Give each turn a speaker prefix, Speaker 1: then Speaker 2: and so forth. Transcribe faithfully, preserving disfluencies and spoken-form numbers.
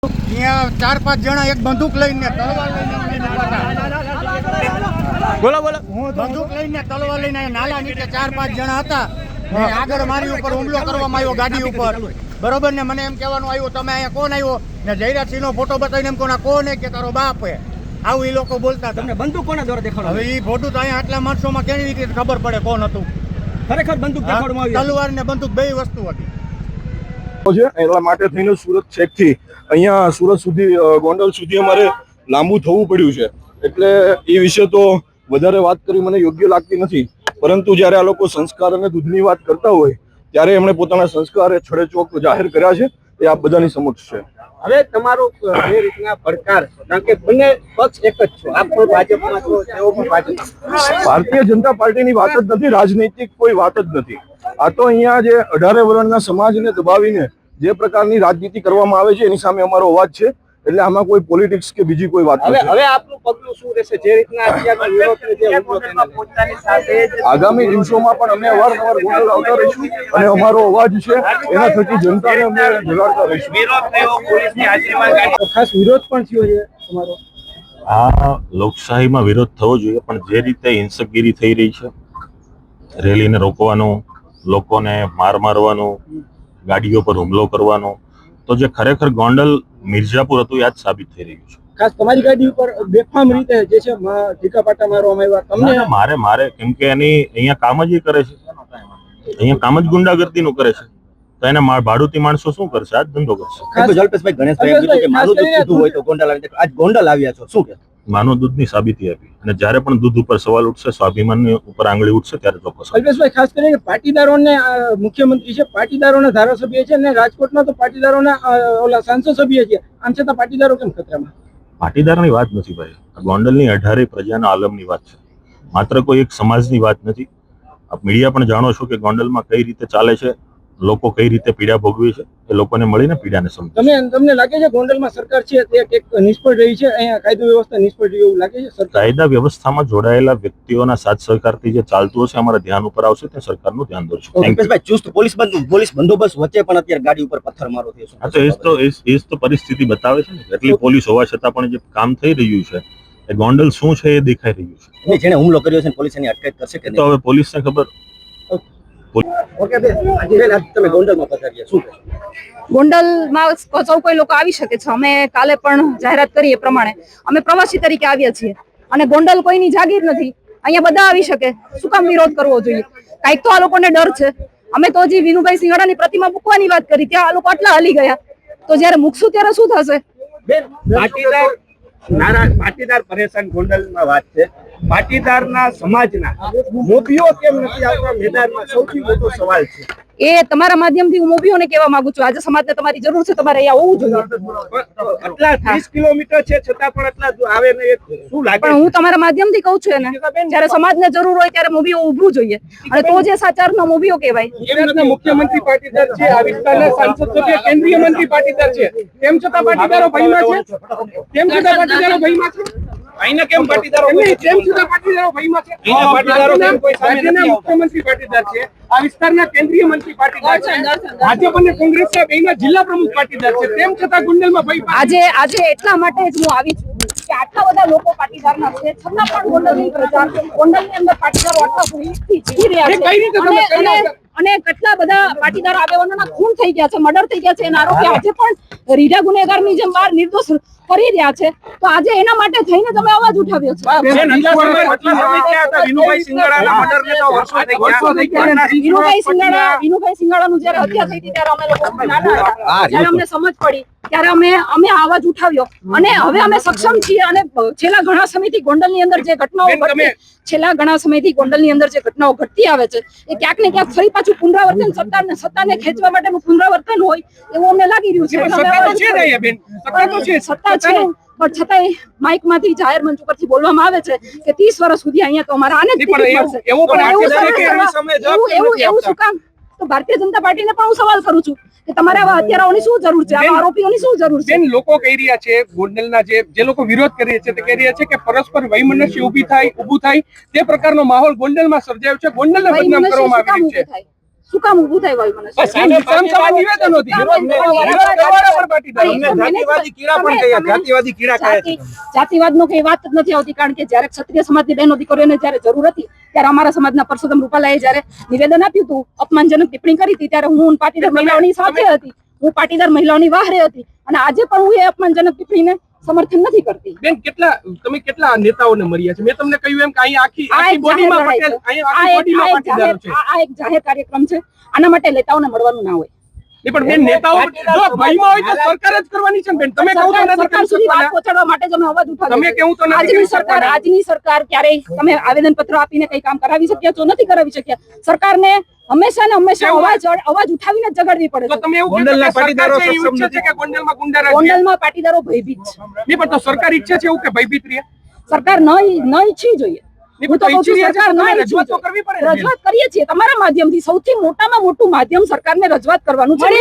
Speaker 1: અહીંયા ચાર પાંચ જણા એક બંદૂક લઈને તલવાર લઈને
Speaker 2: બોલો બોલો
Speaker 1: બંદૂક લઈને તલવાર લઈને નાલા નીચે ચાર પાંચ જણા હતા. આગળ મારી ઉપર હુમલો કરવામાં આવ્યો ગાડી ઉપર, બરોબર ને. મને એમ કહેવાનું આવ્યું તમે અહીંયા કોણ આવ્યો ને જયરાજસિંહ નો ફોટો બતાવીને એમ કોના કોણ કે તારો બાપ હે, આવું એ લોકો બોલતા. તમને
Speaker 2: બંદૂક કોના દ્વારા દેખાડો?
Speaker 1: હવે એ ફોટો તો અહીંયા આટલા માણસોમાં કેવી રીતે ખબર પડે કોણ હતું?
Speaker 2: ખરેખર બંદૂક દેખાડવામાં આવી?
Speaker 1: તલવાર ને બંદૂક બે વસ્તુ હતી.
Speaker 3: એટલા માટે થઈને સુરત છેક થી અહીંયા સુરત સુધી ગોંડલ સુધી અમારે લાંબુ થવું પડ્યું છે. એટલે એ વિશે તો વધારે વાત કરી મને યોગ્ય લાગતી નથી, પરંતુ જ્યારે આ લોકો સંસ્કાર અને દૂધની વાત કરતા હોય ત્યારે એમણે પોતાના સંસ્કાર છડે ચોક જાહેર કર્યા છે, એ આપ બધાની સમક્ષ છે.
Speaker 2: હવે તમારો જે રીતના પડકાર, કારણ કે બંને પક્ષ એક જ છો, આપ પણ ભાજપમાં છો, તેઓ પણ ભાજપ.
Speaker 3: ભારતીય જનતા પાર્ટીની વાત જ નથી, રાજનૈતિક કોઈ વાત જ નથી. આ તો અહીંયા જે અઢારે વર્ણના સમાજને દબાવીને જે પ્રકારની રાજનીતિ કરવામાં આવે છે એની સામે અમારો અવાજ છે. એટલે આમાં કોઈ પોલિટિક્સ કે બીજી કોઈ વાત નથી.
Speaker 2: હવે આપનું પગલું શું રહેશે? જે રીતના અત્યારનો વિરોધ જે ઉભો પોતાની સાથે
Speaker 3: આગામી દિવસોમાં પણ અમે અવારનવાર ગોંડલ આવતા રહીશું અને અમારો અવાજ છે એના થકી જનતાને અમે જગાડતા રહીશું.
Speaker 2: વિરોધ થયો, પોલીસની હાજરીમાં ખાસ વિરોધ પણ થયો છે તમારો?
Speaker 4: આ લોકશાહીમાં વિરોધ થવો જોઈએ, પણ જે રીતે હિંસકગીરી થઈ રહી છે, રેલીને રોકવાનું, લોકોને માર મારવાનું, ગાડીઓ પર હુમલો કરવાનો, તો જે ખરેખર ગોંડલ મિર્જાપુર હતું યાદ સાબિત થઈ રહ્યું છે.
Speaker 2: ખાસ તમારી ગાડી ઉપર બેફામ રીતે જે છે ઢીકા પાટા મારવામાં આવ્યા તમને?
Speaker 4: મારે મારે કેમ કે એની અહીંયા કામ જ એ કરે છે, અહીંયા કામ જ ગુંડાગર્દી નું કરે છે, તો એને ભાડુતી માણસો શું કરશે? આ જ ધંધો કરશે.
Speaker 2: જલ્પેશભાઈ ગણેશભાઈ એમ કીધું કે માનું દૂધ પીધું હોય તો ગોંડલ આવી. આજ ગોંડલ આવ્યા છો, શું કે
Speaker 4: માનવ દૂધની સાબિતી આપી, અને જ્યારે પણ દૂધ ઉપર સવાલ ઉઠશે, સ્વાભિમાનની ઉપર આંગળી ઉઠશે ત્યારે ચોક્કસ.
Speaker 2: અલ્પેશભાઈ, ખાસ કરીને પાટીદારોને મુખ્યમંત્રી છે, પાટીદારોના ધારાસભ્ય છે, અને રાજકોટમાં તો પાટીદારોના ઓલા સાંસદ સભ્ય છે, આમ છતાં પાટીદારો કેમ ખતરામાં?
Speaker 4: પાટીદારની વાત નથી ભાઈ, ગોંડલની અઢારે પ્રજાના આલમની વાત છે, માત્ર કોઈ એક સમાજની વાત નથી. આપ મીડિયા પણ જાણો છો કે ગોંડલમાં કઈ રીતે ચાલે છે, લોકો કઈ રીતે પીડા ભોગવે છે, એ લોકોને મળીને પીડાને સમજે.
Speaker 2: તમે તમને લાગે છે ગોંડલમાં સરકાર છે તે એક નિષ્ફળ રહી છે, અહીંયા કાયદો વ્યવસ્થા નિષ્ફળ રહી એવું લાગે છે?
Speaker 4: કાયદા વ્યવસ્થામાં જોડાયેલા વ્યક્તિઓના સાથ સહકારથી જે ચાલતું હશે અમારા ધ્યાન ઉપર આવશે, તે સરકારનું ધ્યાન દોરશું.
Speaker 2: ચુસ્ત પોલીસ પોલીસ બંદોબસ્ત વચ્ચે પણ અત્યારે ગાડી ઉપર પથ્થર મારો થયો છે.
Speaker 4: હા, તો એ તો એ જ તો પરિસ્થિતિ બતાવે છે ને. એટલી પોલીસ હોવા છતાં પણ જે કામ થઈ રહ્યું છે, એ ગોંડલ શું છે એ દેખાઈ રહ્યું છે.
Speaker 2: જેને હુમલો કર્યો છે પોલીસ એની અટકાયત કરશે કે
Speaker 4: તો હવે પોલીસને ખબર.
Speaker 5: ગોંડલમાં સૌ કોઈ લોકો આવી શકે છે. અમે કાલે પણ જાહેરાત કરી એ પ્રમાણે અમે પ્રવાસી તરીકે આવ્યા છીએ, અને ગોંડલ કોઈની જાગીર નથી. અહીંયા બધા આવી શકે, શું કામ વિરોધ કરવો જોઈએ? કાંઈક તો આ લોકોને ડર છે. અમે તો હજી વિનુભાઈ સિંગાડાની પ્રતિમા મૂકવાની વાત કરી, ત્યાં આ લોકો આટલા હલી ગયા, તો જયારે મૂકશું ત્યારે શું થશે?
Speaker 2: પાટીદાર નારા પાટીદાર પરેશાન ગોંડલમાં વાત છે. પાટીદારના સમાજના મોભીઓ કેમ નથી આવતા મેદાનમાં? સૌથી મોટો સવાલ છે.
Speaker 5: એ તમારા માધ્યમથી હું મોભીઓને કહેવા માંગુ છું, આજે સમાજને તમારી જરૂર છે, તમારે અહીંયા હોવું જોઈએ.
Speaker 2: આટલા ત્રીસ કિલોમીટર છે છતાં પણ આટલા આવે ને, શું લાગે?
Speaker 5: પણ હું તમારા માધ્યમથી કહું છું ને, જયારે સમાજને જરૂર હોય ત્યારે મોભીઓ ઉભું જોઈએ, અને તો જે સાચારનો મોભીઓ કહેવાય.
Speaker 2: મુખ્યમંત્રી પાટીદાર છે, આ વિસ્તારના સાંસદ સભ્ય કેન્દ્રીય મંત્રી પાટીદાર છે, તેમ છતાં પાટીદારો ભયમાં છે. તેમ છતાં પાટીદારો ભયમાં છે. અહીંના કેમ પાટીદારો તેમ છતાં પાટીદારો ભયમાં છે? પાટીદારો કેમ કોઈ રાજ્યના મુખ્યમંત્રી પાટીદાર છે, આ વિસ્તારના કેન્દ્રીય મંત્રી પાટીદાર છે, ભાજપ અને કોંગ્રેસના બેના જિલ્લા પ્રમુખ પાટીદાર છે, તેમ છતાં ગોંડલમાં ભય.
Speaker 5: આજે આજે એટલા માટે જ હું આવી છું કે આટલા બધા લોકો પાટીદારના છે, છતાં પણ ગોંડલની પ્રજા, ગોંડલની અંદર પાટીદારો આટલા ભૂલથી જીવી રહ્યા છે, અને કેટલા બધા પાટીદાર આગેવાનોના ખૂન થઈ ગયા છે, મર્ડર થઈ ગયા છે, એના આરોપી આજે પણ રીઢા ગુનેગારની જેમ બહાર નિર્દોષ ફરી રહ્યા છે. તો આજે એના માટે થઈને તમે અવાજ ઉઠાવ્યો છે.
Speaker 2: વિનુભાઈ
Speaker 5: સિંગાડા વિનુભાઈ સિંગાડાનું જયારે હત્યા થઈ હતી ત્યારે અમે લોકો નાના હતા, ત્યારે અમને સમજ પડી ત્યારે અમે અમે આવાજ ઉઠાવ્યો, અને હવે અમે સક્ષમ છીએ. અને છેલ્લા ઘણા સમયથી ગોંડલની અંદર જે ઘટનાઓ છેલ્લા ઘણા સમયથી ગોંડલની અંદર જે ઘટનાઓ ઘટતી આવે છે, એ ક્યાંક ને ક્યાંક ફરી પાછું પુનરાવર્તન, સત્તાને સત્તાને ખેંચવા માટેનું પુનરાવર્તન હોય એવું અમને લાગી રહ્યું છે. સત્તા છે, પણ છતાંય માઇક માંથી જાહેર મંચ ઉપરથી બોલવામાં આવે છે કે ત્રીસ વર્ષ સુધી અહીંયા તો અમારા આને જ ટિકિટ મળશે. એવું એવું શું કામ? તો ભારતીય જનતા પાર્ટીને પણ હું સવાલ કરું છું કે તમારે આવા હત્યારાઓની શું જરૂર છે, આવા આરોપીઓની શું જરૂર છે?
Speaker 6: લોકો કહી રહ્યા છે, ગોંડલના જે જે લોકો વિરોધ કરી રહ્યા છે તે કહી રહ્યા છે કે પરસ્પર વૈમનસ્ય ઊભી થાય ઊભું થાય તે પ્રકારનો માહોલ ગોંડલમાં સર્જાયો છે, ગોંડલને બદનામ કરવામાં આવી રહ્યું છે.
Speaker 5: શું કામ ઊભું થાય હોય મને
Speaker 6: સામે સામ સામે નિવેદનો હતી. વિરોધ કરવાના પણ પાટીદારો.
Speaker 5: જાતિવાદી કીડા પણ કહ્યા જાતિવાદી કીડા કહે જાતિવાદ નો કઈ વાત જ નથી આવતી, કારણ કે જયારે ક્ષત્રિય સમાજની બહેનો દીકરીઓને જયારે જરૂર હતી ત્યારે અમારા સમાજના પરસોત્તમ રૂપાલાએ જયારે નિવેદન આપ્યું હતું, અપમાનજનક ટિપ્પણી કરી હતી, ત્યારે હું પાટીદાર મહિલાઓની સાથે હતી, હું પાટીદાર મહિલાઓની વાહરે હતી, અને આજે પણ હું એ અપમાનજનક ટિપ્પણીને સમર્થન નથી કરતી.
Speaker 6: બેન, કેટલા તમે કેટલા નેતાઓને મળ્યા છે? મેં તમને કહ્યું એમ કે અહીંયા આખી
Speaker 5: આ
Speaker 6: આખી
Speaker 5: એક
Speaker 6: બોડીમાં
Speaker 5: જાહેર
Speaker 6: પટેલ,
Speaker 5: લડાઈ છે.
Speaker 6: અહીંયા
Speaker 5: આ
Speaker 6: આખી
Speaker 5: એક-
Speaker 6: બોડીમાં
Speaker 5: આ એક
Speaker 6: પાટીદારો છે.
Speaker 5: જાહેર- આ એક જાહેર કાર્યક્રમ છે, આના માટે નેતાઓને મળવાનું ના હોય.
Speaker 6: નહીં, પણ બેન, નેતાઓ જો ભયમાં હોય તો સરકાર જ કરવાની છે ને બેન. તમે કહું તો
Speaker 5: સરકાર-
Speaker 6: નથી
Speaker 5: સરકાર
Speaker 6: કરી
Speaker 5: સુધી વાત
Speaker 6: શકવાના.
Speaker 5: પહોંચાડવા માટે જ અમે અવાજ ઉઠાવીએ
Speaker 6: તમે
Speaker 5: છીએ.
Speaker 6: કેવું તો નથી
Speaker 5: આજની
Speaker 6: કરી
Speaker 5: સરકાર
Speaker 6: શકવાના.
Speaker 5: આજની સરકાર ક્યારેય તમે આવેદન પત્ર આપીને કઈ કામ કરાવી શક્યા છો? નથી કરાવી શક્યા. સરકારને હંમેશા ને હંમેશા
Speaker 6: કેવું?
Speaker 5: અવાજ અવાજ ઉઠાવીને જ જગાડવી પડે
Speaker 6: તો
Speaker 5: છે.
Speaker 6: તમે એવું કહેશો કે સરકાર છે એ ઈચ્છે છે કે ગોંડલમાં ગુંડારાજ રહે?
Speaker 5: ગોંડલમાં પાટીદારો ભયભીત છે.
Speaker 6: નહીં, પણ તો સરકાર ઈચ્છે છે એવું કે ભયભીત રહે?
Speaker 5: સરકાર ન ન ઈચ્છવી જોઈએ. હું તો કહું છું સરકાર ન ઈચ્છવી
Speaker 6: રજૂઆત તો
Speaker 5: જોઈએ.
Speaker 6: કરવી પડે ને બેન.
Speaker 5: રજૂઆત કરીએ છીએ તમારા માધ્યમથી. સૌથી મોટામાં મોટું માધ્યમ સરકારને રજૂઆત કરવાનું છે.